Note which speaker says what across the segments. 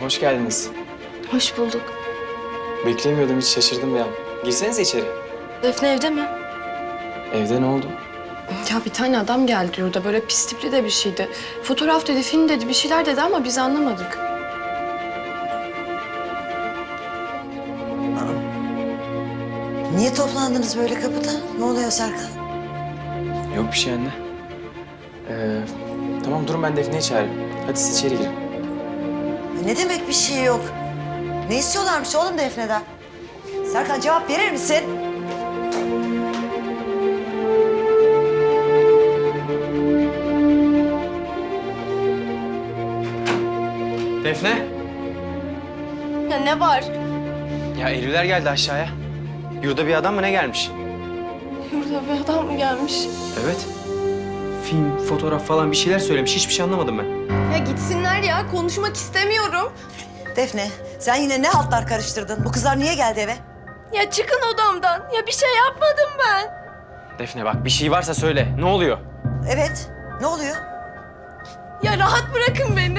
Speaker 1: hoş geldiniz.
Speaker 2: Hoş bulduk.
Speaker 1: Beklemiyordum, hiç şaşırdım ya. Girsenize içeri.
Speaker 2: Defne evde mi?
Speaker 1: Evde ne oldu?
Speaker 2: Ya bir tane adam geldi yurda. Böyle pis tipli de bir şeydi. Fotoğraf dedi, film dedi, bir şeyler dedi ama biz anlamadık.
Speaker 3: Niye toplandınız böyle kapıda? Ne oluyor Serkan?
Speaker 1: Yok bir şey anne. Tamam durun, ben Defne'yi çağırayım. Hadi siz içeri girin.
Speaker 3: Ne demek bir şey yok? Ne istiyorlarmış oğlum Defne'den? Serkan cevap verir misin?
Speaker 1: Defne!
Speaker 2: Ya ne var?
Speaker 1: Ya Eylüler geldi aşağıya. Yurda bir adam mı ne gelmiş?
Speaker 2: Yurda bir adam mı gelmiş?
Speaker 1: Evet. Film, fotoğraf falan bir şeyler söylemiş. Hiçbir şey anlamadım ben.
Speaker 2: Ya gitsinler ya. Konuşmak istemiyorum.
Speaker 3: Defne, sen yine ne haltlar karıştırdın? Bu kızlar niye geldi eve?
Speaker 2: Ya çıkın odamdan. Ya bir şey yapmadım ben.
Speaker 1: Defne bak, bir şey varsa söyle. Ne oluyor?
Speaker 3: Evet, ne oluyor?
Speaker 2: Ya rahat bırakın beni.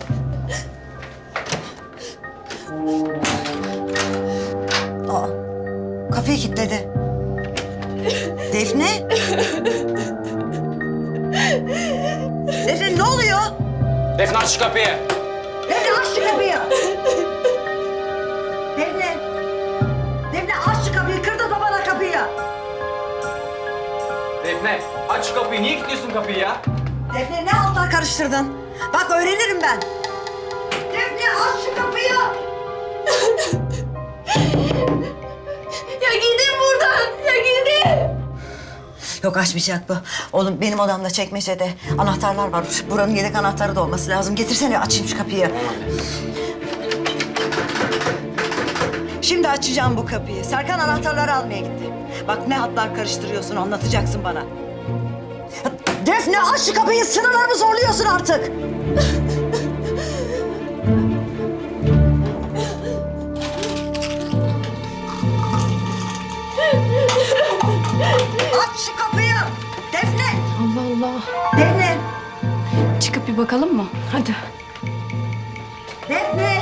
Speaker 3: Aa, kapıyı kilitledi. Defne? Defne ne oluyor?
Speaker 1: Defne aç şu kapıyı!
Speaker 3: Defne aç şu kapıyı! Defne! Defne aç şu kapıyı, kırdı babana kapıyı!
Speaker 1: Defne aç şu kapıyı. Niye kilitliyorsun kapıyı ya?
Speaker 3: Defne ne haltlar karıştırdın? Bak öğrenirim ben. Defne aç şu kapıyı!
Speaker 2: Ya gidin buradan. Ya gidin.
Speaker 3: Yok açmayacak bu. Oğlum benim odamda çekmecede anahtarlar var. Buranın yedek anahtarı da olması lazım. Getirsene açayım şu kapıyı. Şimdi açacağım bu kapıyı. Serkan anahtarları almaya gitti. Bak ne hatlar karıştırıyorsun, anlatacaksın bana. Defne aç şu kapıyı, sınırlarımı zorluyorsun artık. Aç şu kapıyı. Defne.
Speaker 2: Allah Allah.
Speaker 3: Defne.
Speaker 2: Çıkıp bir bakalım mı? Hadi.
Speaker 3: Defne.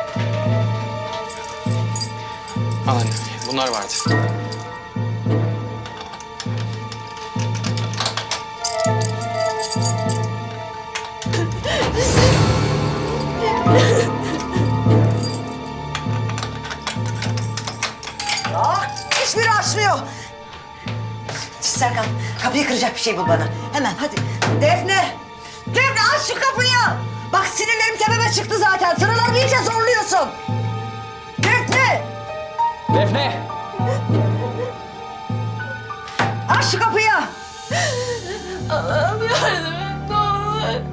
Speaker 1: Al anne, bunlar vardı.
Speaker 3: Hiçbiri açmıyor. Serkan, kapıyı kıracak bir şey bul bana. Hemen hadi. Defne! Defne aç şu kapıyı! Bak sinirlerim tepeme çıktı zaten. Sıralarımı iyice zorluyorsun. Defne!
Speaker 1: Defne!
Speaker 3: Aç şu kapıyı!
Speaker 2: Allah'ım yardım et ne olur.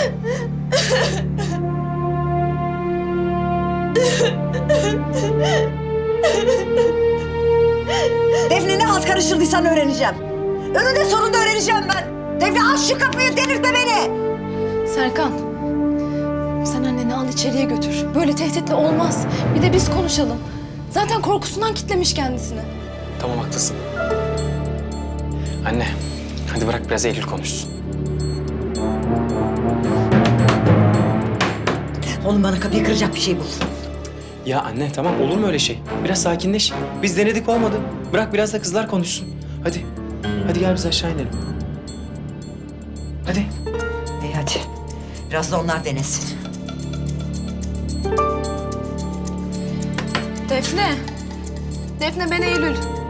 Speaker 3: Defne ne halt karıştırdıysan öğreneceğim. Önünde sonunda öğreneceğim ben. Defne aç şu kapıyı, delirtme beni.
Speaker 2: Serkan, sen anneni al içeriye götür. Böyle tehditle olmaz. Bir de biz konuşalım. Zaten korkusundan kitlemiş kendisini.
Speaker 1: Tamam haklısın. Anne, hadi bırak biraz Eylül konuşsun.
Speaker 3: Oğlum bana kapıyı kıracak bir şey bul.
Speaker 1: Ya anne tamam, olur mu öyle şey? Biraz sakinleş. Biz denedik, olmadı. Bırak biraz da kızlar konuşsun. Hadi. Hadi gel biz aşağı inelim. Hadi.
Speaker 3: İyi hadi. Biraz da onlar denesin.
Speaker 2: Defne. Defne ben Eylül.